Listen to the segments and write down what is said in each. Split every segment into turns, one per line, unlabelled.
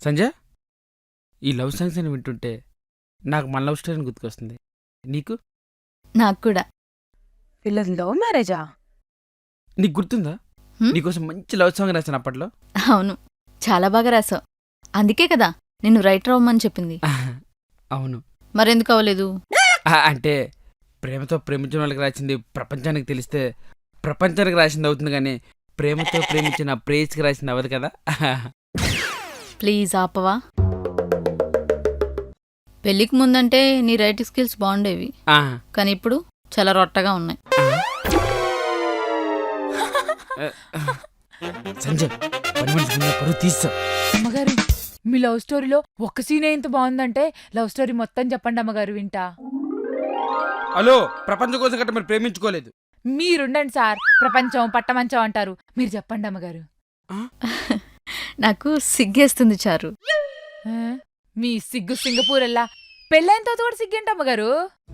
సంజయ్, ఈ love songs అని వింటుంటే నాకు మన లవ్ స్టోరీ గుర్తుకొస్తుంది. నీకు
నాకు కూడా.
వీళ్ళది లవ్ మ్యారేజా?
నీకు గుర్తుందా?
హ్మ్?
నీకోసం మంచి లవ్ సాంగ్ రాశాను అప్పట్లో.
అవును, చాలా బాగా రాసావు. అందుకే కదా నిన్ను రైటర్ అవ్వమని చెప్పింది.
అవును.
మరెందుకు అవ్వలేదు?
అంటే ప్రేమతో ప్రేమించిన వాళ్ళకి రాసింది ప్రపంచానికి తెలిస్తే ప్రపంచానికి రాసింది అవుతుంది, కానీ ప్రేమతో ప్రేమించిన ప్రేయస్కి రాసింది అవ్వదు కదా.
ప్లీజ్ ఆపవా. పెళ్ళికి ముందంటే నీ రైటింగ్ స్కిల్స్ బాగుండేవి,
ఆ,
కానీ ఇప్పుడు చాలా రొట్టగా ఉన్నాయి.
సంజయ్, పని మనిషి ముందు పరువు తీస్తా.
అమ్మగారు, మీ లవ్ స్టోరీలో ఒక్క సీనే ఇంత బాగుందంటే లవ్ స్టోరీ మొత్తం చెప్పండి అమ్మగారు, వింటా.
హలో, ప్రపంచం కోసం గట్ట మరి ప్రేమించుకోలేదు.
మీరుండండి సార్, ప్రపంచం పట్టమంచం అంటారు. మీరు చెప్పండి అమ్మగారు.
నాకు సిగ్గేస్తుంది చారు.
ఆ? మీ సిగ్గు సింగపూర్ అల్లా పెళ్ళైన తర్వాత కూడా సిగ్గేంటి అమ్మగారు?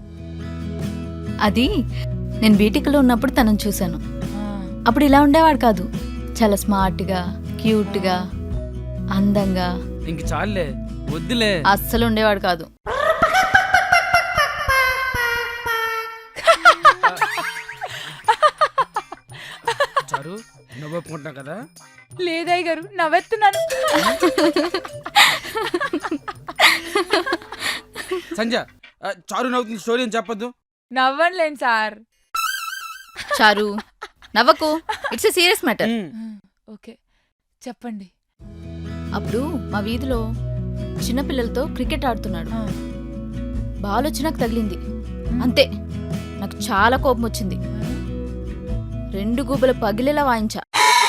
అది నేను బీటెక్లో ఉన్నప్పుడు తనను చూశాను.
ఆ,
అప్పుడు ఇలా ఉండేవాడు కాదు. చాలా స్మార్ట్గా, క్యూట్గా, అందంగా
ఇంక చాలులే, వద్దులే.
అస్సలు ఉండేవాడు కాదు.
చారు, నువ్వు ఒప్పుకుంటున్నావు కదా?
లేదయ్య గారు, నవ్వెత్తున్నాను.
సంజయ్, చారు నవ్వుతుంది, స్టోరీ అని చెప్పొద్దు.
నవ్వండిలేండి సార్.
చారు నవ్వకు, it's a serious matter.
Okay, చెప్పండి.
అప్పుడు మా వీధిలో చిన్నపిల్లలతో క్రికెట్ ఆడుతున్నాడు.
ఆ,
బాల్ వచ్చి నాకు తగిలింది. అంతే, నాకు చాలా కోపం వచ్చింది. 2 గుబ్బలు పగిలేలా వాయించా.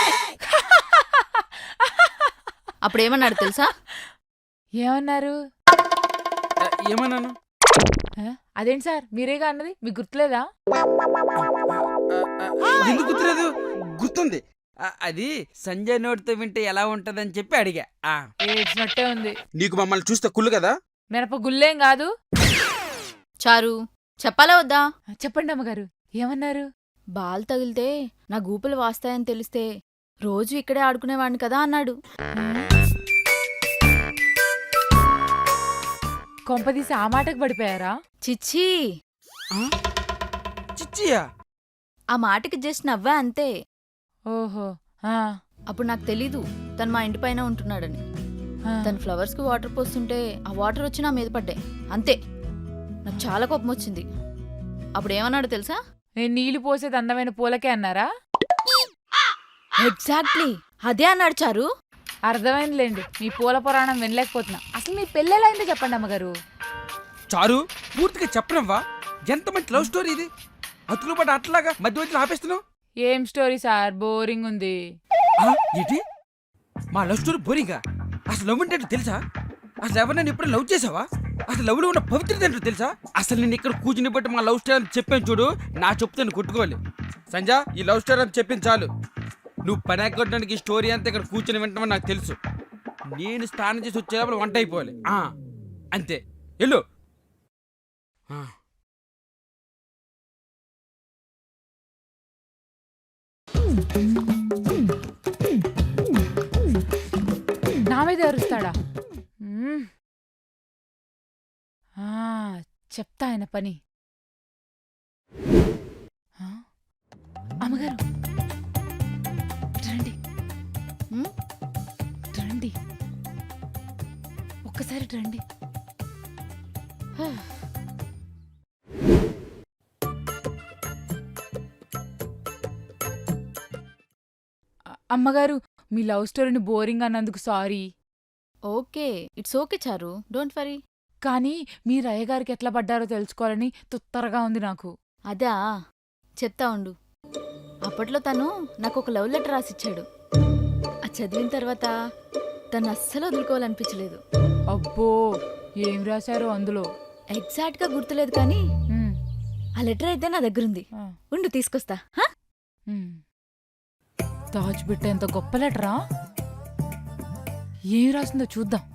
అప్పుడేమన్నాడు తెలుసా?
ఏమన్నారు?
ఏమన్నాను?
అదేంటి సార్, మీరేగా అన్నది, మీకు గుర్తులేదా?
ఎందుకు గుర్తులేదు? గుర్తుంది. అది సంజయ్ నోటితో వింటే ఎలా ఉంటదని చెప్పి అడిగా.
ఏడ్చినట్టే ఉంది.
నీకు మమ్మల్ని చూస్తే కుళ్ళు కదా?
మినప గుల్లేం కాదు.
చారు చెప్పాలా వద్దా?
చెప్పండి అమ్మగారు, ఏమన్నారు?
బాల్ తగిలితే నా గూపులు వాస్తాయని తెలిస్తే రోజు ఇక్కడే ఆడుకునేవాడిని కదా అన్నాడు.
కొంపదీసి ఆ మాటకు పడిపోయారా?
చిచ్చి,
చిచ్చియా?
ఆ మాటకి జస్ట్ నవ్వా అంతే.
ఓహో. ఆ,
అప్పుడు నాకు తెలీదు తను మా ఇంటి పైన ఉంటున్నాడని.
ఆ.
తన ఫ్లవర్స్ కి వాటర్ పోస్తుంటే ఆ వాటర్ వచ్చి నా మీద పడ్డాయి. అంతే, నాకు చాలా కోపం వచ్చింది. అప్పుడు ఏమన్నాడు తెలుసా?
నేను నీళ్లు పోసేది అందమైన పూలకే అన్నారా?
ఎగ్జాక్ట్లీ అదే అన్నాడు చారు.
అర్థమైందిలేండి, మీ పూల పురాణం వినలేకపోతున్నా. అసలు మీ పెళ్ళెలా అయిందో చెప్పండి అమ్మగారు.
చారు, పూర్తిగా చెప్పనవ్వా? ఎంత మంచి లవ్ స్టోరీ ఇది. అతుకులు పడ్డ అట్లాగా మధ్య మధ్యలో ఆపేస్తున్నావు.
ఏం స్టోరీ సార్, బోరింగ్ ఉంది.
ఏంటి, మా లవ్ స్టోరీ బోరింగా? అసలు లవ్ అంటే ఏంటో తెలుసా? అసలు ఎవరినైనా ఎప్పుడు లవ్ చేసావా? అసలు లవ్ లో ఉన్న పవిత్రత ఏంటో తెలుసా? అసలు నేను ఇక్కడ కూర్చుని బట్టి మా లవ్ స్టోరీ అని చెప్పాను చూడు, నా చెప్తాను కొట్టుకోవాలి. సంజయ్, ఈ లవ్ స్టోరీ అని చెప్పింది చాలు. నువ్వు పని ఎక్కడానికి ఈ స్టోరీ అంతా ఇక్కడ కూర్చొని వింటామని నాకు తెలుసు. నేను స్నానం చేసి వచ్చేటప్పుడు వంట అయిపోవాలి. అంతే, వెళ్ళు.
నా మీద అరుస్తాడా? మ్మ్. ఆ, చెప్తా ఆయన పని. ఆ, అమ్మగారు రండి.
హ్మ్?
రండి, ఒక్కసారి రండి. అమ్మగారు, మీ లవ్ స్టోరీని బోరింగ్ అన్నందుకు sorry.
Okay, it's okay Charu, don't worry.
కానీ మీరు అయ్యగారికి ఎట్లా పడ్డారో తెలుసుకోవాలని తుత్తరగా ఉంది నాకు.
అదా, చెప్తా ఉండు. అప్పట్లో తను నాకు ఒక లవ్ లెటర్ రాసిచ్చాడు. అది చదివిన తర్వాత తను అస్సలు వదులుకోవాలనిపించలేదు.
అబ్బో, ఏం రాశారో అందులో?
ఎగ్జాక్ట్గా గుర్తులేదు, కానీ
మ్మ్.
ఆ లెటర్ అయితే నా దగ్గరుంది.
ఆ,
ఉండు తీసుకొస్తా. హా?
మ్మ్. దాచిపెట్టేంత గొప్ప లెటరా? ఏం రాసిందో చూద్దాం.